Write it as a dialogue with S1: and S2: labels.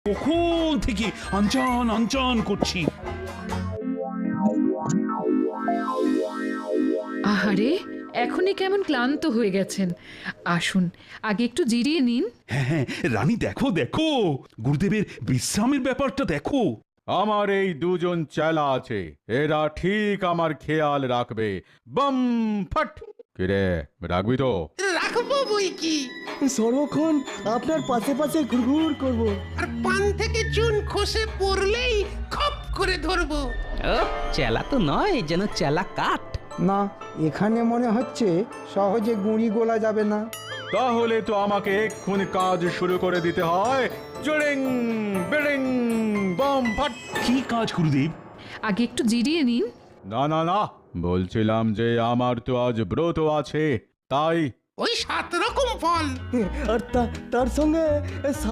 S1: কখন থেকে আনচান আনচান করছি।
S2: আহারে, এখনই কেমন ক্লান্ত হয়ে গেছেন। আসুন, আগে একটু জিরিয়ে নিন।
S1: হ্যাঁ হ্যাঁ, রানী দেখো দেখো, গুরুদেবের বিশ্রামের ব্যাপারটা দেখো।
S3: আমার এই দুজন চেলা আছে, এরা ঠিক আমার খেয়াল রাখবে। বম ফট। কিরে, রাখবি তো?
S4: রাখবো বই কি।
S5: সর্বক্ষণ আপনার পাশে পাশে ঘুরঘুর করব।
S4: আর পান থেকে চুন খসে পড়লেই খপ করে ধরবো।
S6: ও চেলা তো নয়, যেন চেলা কাঠ।
S5: না, এখানে মনে হচ্ছে সহজে গুঁড়ি গোলা যাবে না।
S3: তাহলে তো আমাকে এক্ষুনি কাজ শুরু করে দিতে হয়। জড়িং বিড়িং বম ফট।
S1: কি কাজ গুরুদেব?
S2: আগে একটু জিরিয়ে নিন।
S3: না না না, বলছিলাম যে আমার তো আজ ব্রত আছে, তাই।
S4: ওই 7 রকম ফল।
S5: আর তার সঙ্গে